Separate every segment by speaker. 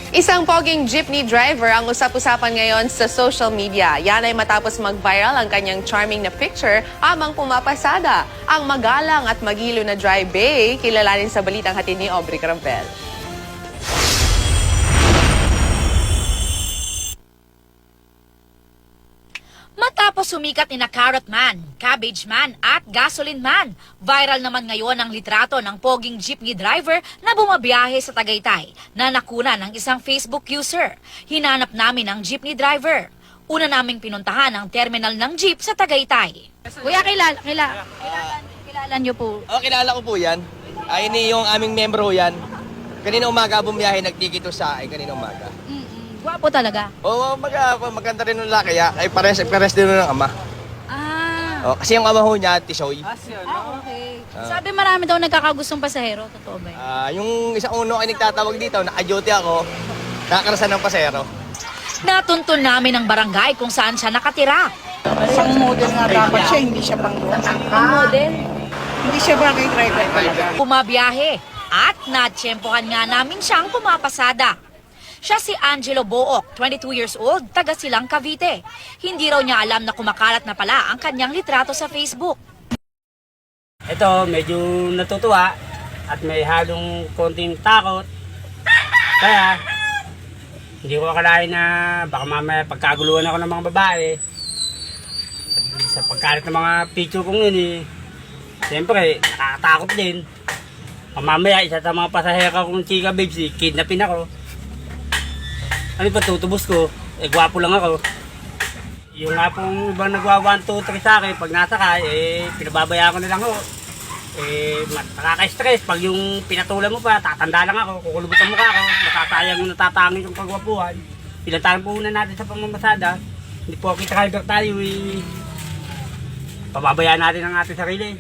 Speaker 1: Isang poging jeepney driver ang usap-usapan ngayon sa social media. Yan ay matapos mag-viral ang kanyang charming na picture habang pumapasada. Ang magalang at magilo na dry bay, kilalanin sa balitang hatid ni Aubrey Carampel.
Speaker 2: Matapos sumikat ni na Carrot Man, Cabbage Man at Gasoline Man, viral naman ngayon ang litrato ng poging jeepney driver na bumabiyahe sa Tagaytay na nakuna ng isang Facebook user. Hinanap namin ang jeepney driver. Una naming pinuntahan ang terminal ng jeep sa Tagaytay.
Speaker 3: Kuya, kilala niyo po.
Speaker 4: Kilala ko po yan. Ay, yung aming membro yan. Kanina umaga bumiyahe, nagtikito sa akin kanina umaga.
Speaker 3: Gwapo talaga.
Speaker 4: Oo, maganda rin nung laki. Ay, pares din nun ng ama.
Speaker 3: Ah,
Speaker 4: Kasi yung ama ho niya, Tisoy.
Speaker 3: okay. Sabi marami daw nagkakagustong pasahero. Totoo ba yun?
Speaker 4: Yung isang uno ay nagtatawag dito, naka-duty ako, nakakarasan ng pasero.
Speaker 2: Natuntun namin ang barangay kung saan siya nakatira.
Speaker 5: Pang model nga dapat siya, hindi siya pang
Speaker 3: Model.
Speaker 5: Hindi siya bagay driver talaga.
Speaker 2: Pumabiyahe at natsyempohan nga namin siyang pumapasada. Siya si Angelo Book, 22 years old, taga Silang Cavite. Hindi raw niya alam na kumakalat na pala ang kanyang litrato sa Facebook.
Speaker 6: Ito, medyo natutuwa at may halong konting takot. Kaya, hindi ko akalain na baka mamaya pagkaguluhan ako ng mga babae. At sa pagkalit ng mga picture kong yun siyempre, nakakatakot din. Mamaya, isa sa mga pasahero kong chika babes, kidnapin ako. Ano pa tutubos ko? Gwapo lang ako. Yung nga pong ibang nagwa 1, 2, 3 sa akin, pag nasakay, pinababaya ko na lang ho. Nakaka-stress. Pag yung pinatulan mo pa, tatanda lang ako, kukulubot ang mukha ko, matatayang natatangin yung kagwapuhan. Pilantaran po muna natin sa pamamasada. Hindi po kita driver tayo, pababayaan natin ang ating sarili.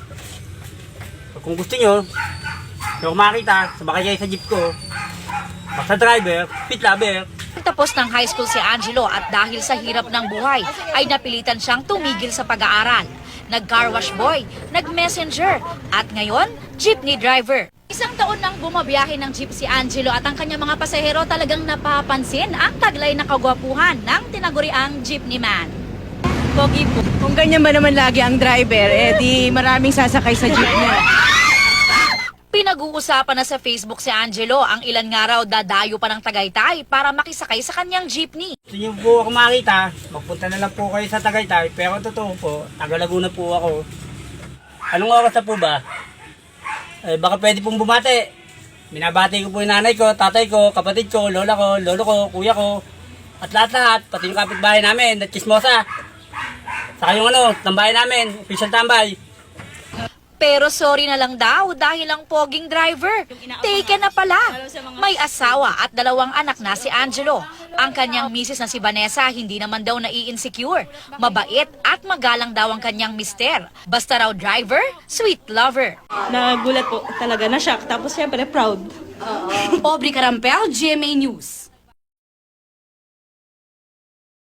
Speaker 6: Kung gusto nyo, kung makita, sabakay kayo sa jeep ko, basta driver, pit lover.
Speaker 2: Tapos ng high school si Angelo at dahil sa hirap ng buhay ay napilitan siyang tumigil sa pag-aaral. Nag-car wash boy, nag-messenger at ngayon, jeepney driver. Isang taon nang bumabiyahe ng jeep si Angelo at ang kanyang mga pasahero talagang napapansin ang taglay na kagwapuhan ng tinaguriang jeepney man. Pogi po.
Speaker 5: Kung ganyan ba naman lagi ang driver, di maraming sasakay sa jeep niya.
Speaker 2: Pinag-uusapan na sa Facebook si Angelo ang ilan nga raw dadayo pa ng Tagaytay para makisakay sa kanyang jeepney.
Speaker 6: Gusto nyo po ako makita, magpunta na lang po kayo sa Tagaytay, pero totoo po, taga Laguna po ako. Anong oras na po ba? Baka pwede pong bumati. Binabati ko po yung nanay ko, tatay ko, kapatid ko, lola ko, lolo ko, kuya ko, at lahat-lahat, pati yung kapitbahay namin, at chismosa. Saka yung tambay namin, official tambay.
Speaker 2: Pero sorry na lang daw dahil ang poging driver, taken na pala. May asawa at 2 anak na si Angelo. Ang kanyang misis na si Vanessa hindi naman daw nai-insecure. Mabait at magalang daw ang kanyang mister. Basta raw driver, sweet lover.
Speaker 7: Nagulat po talaga, na-shock. Tapos syempre proud.
Speaker 2: Aubrey Carampel, GMA News.